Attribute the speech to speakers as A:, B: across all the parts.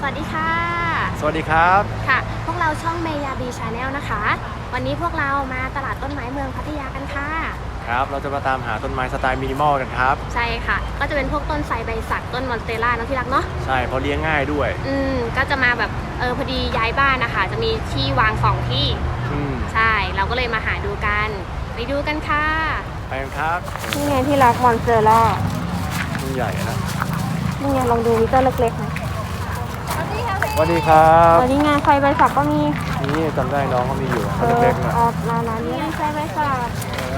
A: วัสดีค่ะ
B: สวัสดีครับ
A: ค่ะพวกเราช่องเมยาบีชาแนลนะคะวันนี้พวกเรามาตลาดต้นไม้เมืองพัทยากันค่ะ
B: ครับเราจะมาตามหาต้นไม้สไตล์มินิมอลกันครับ
A: ใช่ค่ะก็จะเป็นพวกต้นไทรใบสักต้นมอนสเตล่าเนาะที่รักเนาะ
B: ใช่เพราะเลี้ยงง่ายด้วย
A: ก็จะมาแบบพอดีย้ายบ้านนะคะจะมีที่วาง2ที่ใช่เราก็เลยมาหาดูกันไปดูกันค่ะ
B: ไปกันครับ
A: นี่ไงที่รักมอนสเตล่า
B: ต้นใหญ่นะ
A: นี่ไงลองดูมีต้นเล็กๆไหม
B: สวัสดีครับ
A: วันนี้งานไฟใบสักก็มี
B: นี่จำได้น้องเขามีอยู่ต้นเล็กๆนะ
A: ร้านนี้ไฟใบสัก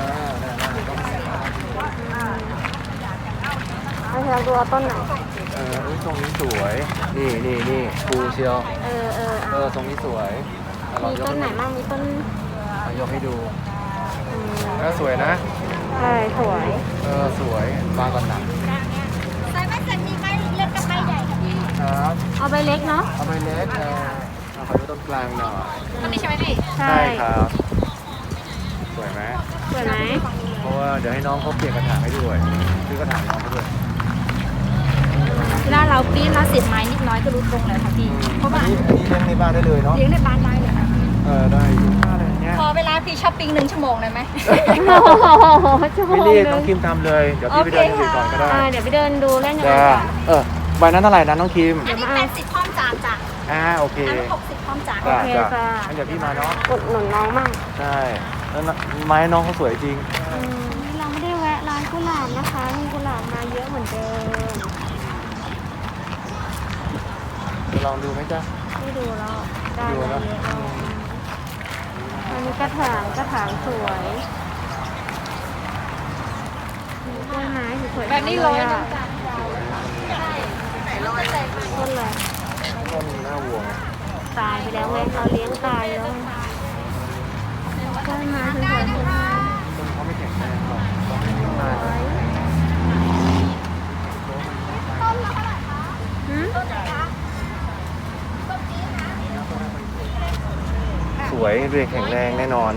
A: เราดูเอาต้นไหน
B: ตรงนี้สวยนี่ปูเชียวตรงนี้สวย
A: มีต้นไหนบ้างมีต้น
B: ยกให้ดูสวยนะ
A: ใช่สวย
B: สวยบางก่อนหนัก
A: ใส่ใบสักมีใบเล็กกับใบใหญ่ค่ะพี่
B: ครับ
A: เอาใบเล็กเนาะ
B: เอาใบเล็กเอาไปต้นกลางหน่อย
A: ต้นนี้ใช่ไหมพี่
B: ใช่ครับสวยไหมเพราะว่าเดี๋ยวให้น้องเขาเปลี่ยนกระถางให้ด้วยซื้อกระถางน้องเขาด้วย
A: เวลาเราปีนเราเสียบไม้นิดน้อยก็รู้ตรงเลยค่ะพี่เพราะว่า
B: อันนี้เลี้ยงในบ้านได้เลยเนาะ
A: เลี้ยงในบ้านได้เลยค่ะ
B: ได้อยู่อะไรเงี้ย
A: พอเวลาพี่ช้อปปิ้ง1 ชั่วโมงเลยไหม
B: ไม่รีบต้องคิมทำเลยเดี๋ยวพี่ไปเดินดูก่อนก็ได้
A: เดี๋ยวไปเดินดูเล่นยังไง
B: ใบนั้นเท่าไหร่นะน้องคิม
A: อันนี้80พร้อมจานจ้ะ
B: โอเค
A: อันนี้60พร้อมจาน
B: โอเคจ้ะงั้นเดี๋ยวพี่มาเนาะ
A: อุดหนุนน้องมั่ง
B: ใช่แล้วไม้น้องเขาสวยจริง
A: เราไม่ได้แวะร้านกุหลาบนะคะมีกุหลาบมาเยอะเหมือนเดิม
B: ลองดูไหมจ๊ะ
A: ไม่ดูแล้วได้เยอะอันนี้กระถางสวยต้นไม้สวยแบบนี้ร้อยนึงจ้ะต้นอะไร
B: ต้นหน้าวัว
A: ตายไปแล้วไงเราเลี้ยงตายแล้วต้นไม้สวยๆ
B: ต้นเขาไม่แข็งแรงหรอกต้นไม้
A: ต้นละเท่าไหร่คะต้นไหนคะ
B: สวยเรียกแข็งแรงแน่นอน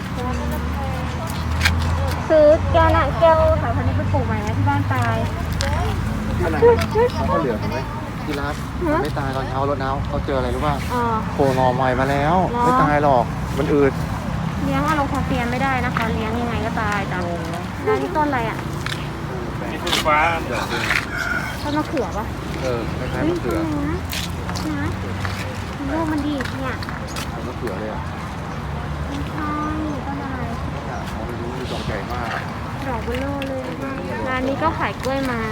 A: ซื้อแก้วสายพันธุ์นี้ไปปลูกใหม่ไหมที่บ้านตาย
B: ขนาดเขาเหลือไหมที่รักไม่ตายตอนเช้ารถน้ำเขาเจออะไรรู้ป่ะโผล่หน่อใหม่มาแล้วไม่ตายหรอกมันอืด
A: เลี้ยงอะโลคาเฟียไม่ได้นะคะเลี้ยงยังไงก็ตายจ้ะแล้วนี่ต้นอะไรอ่ะ
B: นี่ต้นฟ้า
A: ต้นมะเขือป่ะ
B: คล้ายๆมะเขือ
A: นะลูกมันดีเนี่ย
B: มะเขือเลยอ่ะ
A: ไม่ใช่ต้นอะไร
B: ไม่รู้มีดอกใหญ่มาก
A: ดอกเบลอเลยร้านนี้ก็ขายกล้วยไม้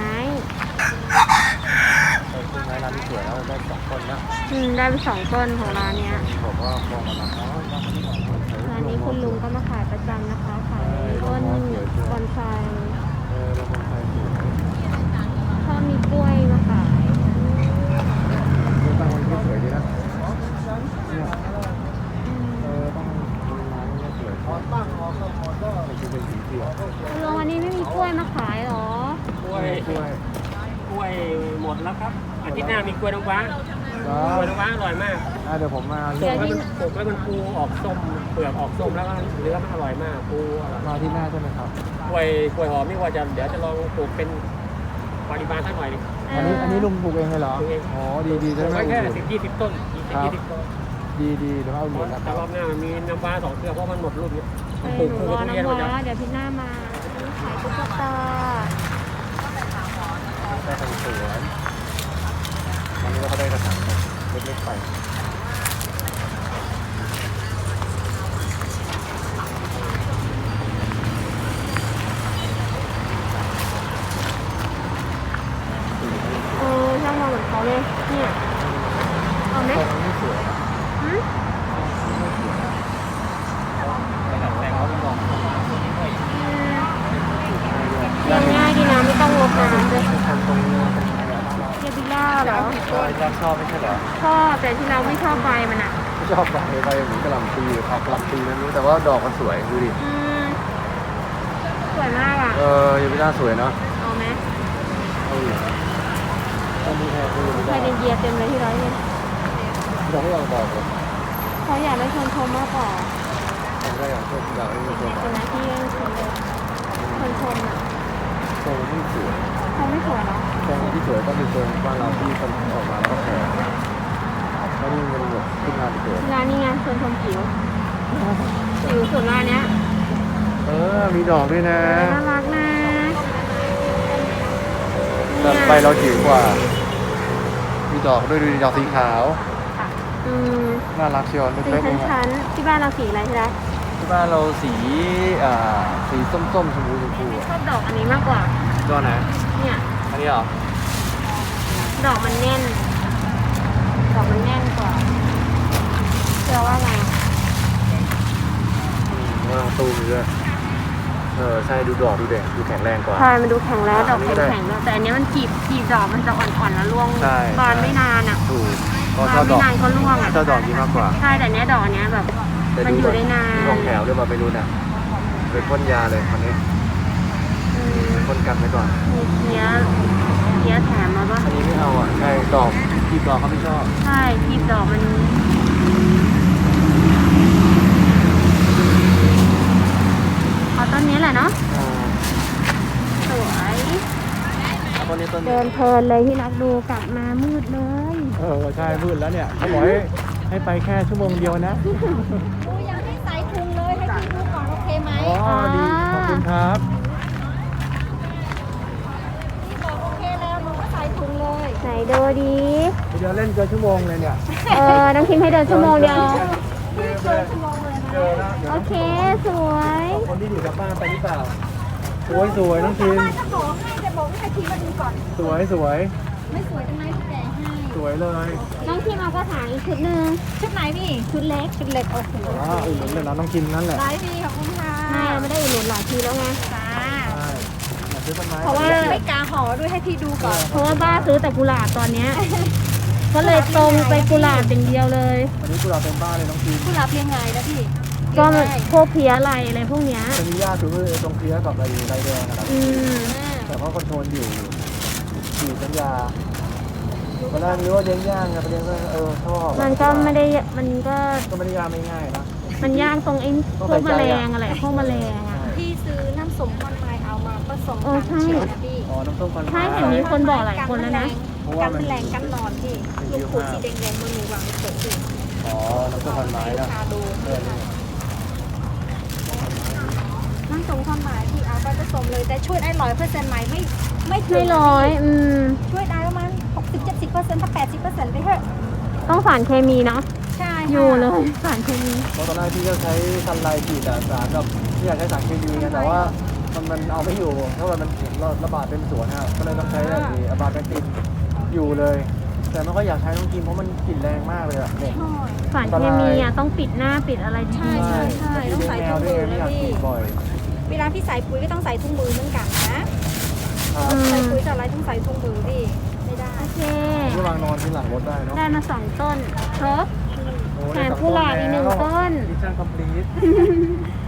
B: ร้านนี้สวยแล้วได้2 ต้นนะ
A: ได้ไป2 ต้นของร้านเนี้ย
B: บอกว่าฟองมันนะ
A: ร้านนี้คุณลุงก็มาขายประจำนะคะขายต้นบอนไซชอบมีกล้วยมาขาย
B: ตั้งวันนี้สวยดีนะ
A: ลุงวันนี้ไม่มีกล้วยมาขายหรอก
C: ล้วยหมดแล้วครับอาทิตย์หน้ามีกล้วยน้ำว้ากล้วยน้ำว้าอร่อยมาก
B: เดี๋ยวผมมา
C: สุกแล้วมันปูออกส้มเปลือกออกส้มแล้วก็เนื้อมันอร่อยมากปู
B: มาที่หน้าใช่ไหมครับ
C: กล้วยหอมนี่ว่าเดี๋ยวจะลองปลูกเป็นปริมาณสักหน่อยนึง
B: อันนี้ลุงปลูกเองเลยเหรออ๋อดีใช่ไหม
C: แค่10-20 ต้น20 ต้น
B: ดีเดี๋ยวเอาหมดแล้ว
C: แต่รอบหน้ามีน้ำว้า2 เครือเพราะมันหมดรุ่นนี้
A: ปลูกคู่กับทุเรียนเดี๋ยวพี่หน้ามาขายตุ๊กตา
B: ได้ทำสวนวันนี้เราก็ได้กระถางเล็กๆไป
A: ช่างมองเหมือนเขาเลยเนี่ยเอาไหม
B: ไม่สวย
A: เลี้ยงง่ายดีนะไม่ต้องรดน้ำด้วยเยบิล่าเหรอ
B: ชอบไม่ใช่เหรอ
A: ชอบแต่ที่เราไม่ชอบใบมันอ่ะ
B: ไม่ชอบใบเหมือนกระหล่ำปีผักกระหล่ำปีนั้นรู้แต่ว่าดอกมันสวยดูดิ
A: สวยมากอ่ะ
B: เยบิล่าสวยเนาะ
A: เอาไหม
B: เอาอยู่นะ
A: ใครเดินเยียเต็มเลยที่ร้อยเนี่ย
B: เราไม่อยากบอกเลย
A: เขาอยากได้ชนชมมากกว่า
B: ได้อยากให้มีคน
A: เป็นหน้าที่ชนเลยชมอ่ะ
B: ทรงที่สวย
A: เขาไม่สวยเนาะ
B: ทรงที่สวยต้องเป็นทรงบ้านเราที่คนออกมาแล้วก็แพง
A: นี่ไงชวนชมผิวผิวสุดละเนี้ย
B: มีดอกด้วยนะ
A: น่ารักนะ
B: แต่ใบเราจิ๋วกว่า มีดอกด้วยดูดิดอกสีขาว
A: อืม
B: น่ารักเชียว
A: สี
B: เล็กๆเอง
A: ชั้นๆที่บ้านเราสีอะไรใช่ไหม
B: ที่บ้านเราสีส้มๆชมพู
A: ชอบดอกอันนี้มากกว่า
B: ตัวไหน
A: เนี่ย
B: อันนี้เหรอ
A: ดอกมันแน่น ดอกมันแน่นกว่าเชื่อว่าไง
B: ว่าตูมด้วยใช่ดูดอกดูแดงดูแข็งแรงกว่า
A: ใช่มันดูแข็งแล้วดอก
B: อันนี้ก็ได้
A: แข็งๆแล้วแต่อันนี้มันจีบดอกมันจะอ่อนๆแล้วร่วง
B: ใช่
A: บานไม่นานอ่ะ
B: ถูกก็
A: บา
B: ชอน บด
A: ไม่
B: อก
A: นานก็ร่วงอ่ะ
B: ชอบดอกนี้มากกว่า
A: ใช่แต่เนี้ยดอกเนี้ยแบบ
B: แต่
A: มันอยู่ได้นาน
B: ของแถวด้วยมาไปรู้น่ะเป็นพ่นยาเลยคนนี้
A: อืม
B: พ่นกันไปก่อน
A: มีเพี้ยแถมมาปะ
B: อันนี้ไม่เอาอ่ะใช่ดอกที่ดอกเขาไม่ชอบ
A: ใช่จีบดอกมันเอาต้นนี้แหละเนาะสวย
B: ต้นนี้ต้น
A: เดินเพลินเลยที่รักดูกลับมามืดเลย
B: ใช่มืดแล้วเนี่ยเขาบอกให้ไปแค่ชั่วโมงเดียวนะ
D: ดูยังไม่ใส่ถุงเลยให้พี่ดูก่อนโอเคไหม
B: อ๋อดีขอบคุณครับ
D: พี่บอกโอเคแล้วหนูก็ใส่ถุงเลย
A: ไหนดูดี
B: เดี๋ยวเล่นเกินชั่วโมงเลยเนี่ย
A: น้องคิมให้เดินชั่วโมงเดียว
B: เจอแล้ว
A: โอเคสวย
B: คนที่อยู่กับบ้านไปหรือเปล่าสวยสวยน้องทีม
D: ว่าจะบอกให้ทีมาดูก่อน
B: สวยสวย
D: ไม่สวยตรงไหนพี่แกให้
B: สวยเลย
A: น้องคิมเอากระถางอีกชุดหนึ่ง
D: ชุดไหนพี่
A: ชุดเล็ก
D: ชุดเล็กโอเค
B: อุ่นเลยนะน้องทีมนั่นแหละ
D: ได้พี่ขอบคุณค่ะ
A: ไม่ได้อุดหนุนหลายทีแล้วไง
D: จ้า
B: ใช่อยากซื้อต้นไม้
A: เพราะว่า
D: ไม่กาห่อด้วยให้พี่ดูก่อน
A: เพราะว่าบ้าซื้อแต่กุหลาบตอนเนี้ยก็เลยตรงไปกุหลาบอย่างเดียวเลย
B: วันนี้พวกเราเต็มบ้านเลยน้องทีม
D: ผู้รับเรียงไงนะพี่
A: ก็พวกเพี้ยอะไรอะไรพวกเนี้ย
B: จะมีหญ้าคือตรงเคลียร์กับไรแดงนะครับ
A: อืม
B: แต่เขาคอนโทรลอยู่สัญญาตอนแรกนึกว่าเลี้ยงย่างไงประเด็นก็ชอบ
A: มันก็ไม่ได้มันก็
B: ก็ไม่ได้ยากไม่ง่ายนะ
A: มันยากตรงไอ้พวกแมลงอะไรพวกแมลงอ่ะ
D: พี่ซื้อน้ำส้มคอนไม้เอามาผสม
A: เอ
D: กั
A: อน ใช่
D: เฉียวนะพี่
B: อ๋อน้ำส้มควัน
A: ใช่เห็นมีคนบอกหลายคนแล้วนะ
D: กันแมลงกันนอนพี่ลูกขูดสีแดงๆมันมีวางเฉยพี่
B: อ๋อน้ำส้มควันไม้นะ
D: พาดูน้ำส้มคอนไม้พี่เอาไปผสมเลยแต่ช่วยได้100%ไหมไม่ถึ
A: ไม่
D: ง
A: ร้อย
D: ช่วยได้ประมาณ60-70%ถ้า80%ไปเถอะ
A: ต้องสารเคมีเนาะ
D: ใช่ค่ะ
A: อยู่เลยสารเคมี
B: เพราะตอนแรกพี่ก็ใช้ซันไลท์ฉีดสารกับที่อยากใช้สารเคมีกันแต่ว่ามันเอาไม่อยู่เพราะว่ามันระบาดเป็นสวนฮะก็เลยต้องใช้อะบาแบคตินอยู่เลย แต่ไม่ค่อยอยากใช้น้องกินเพราะมันกลิ่นแรงมากเลยอ่ะเนี่ย
A: สารเคมีอ่ะต้องปิดหน้าปิดอะไรดี
D: ใช่ต้องใส่
B: แม
D: ถุ
B: ว
D: ง
B: ด้วย
D: มือ
B: ไม่
D: นะ
B: อยาก
D: พี่
B: ฉีดบ่อย
D: เวลาพี่ใส่ปุ๋ยก็ต้องใส่ถุงมือเหมือนกันนะ
B: ครับ
D: ใส่ปุ๋ยจะอะไรต้องใส่ถุงมือพี่ไม่ได้
A: โอเค
B: ที่วางนอนที่หลังรถได้เนาะ
A: ได้มา2 ต้นครบ
B: โอ้
A: แถมกุหลาบอีก1 ต้น
B: มิชชั่นคอมพลีท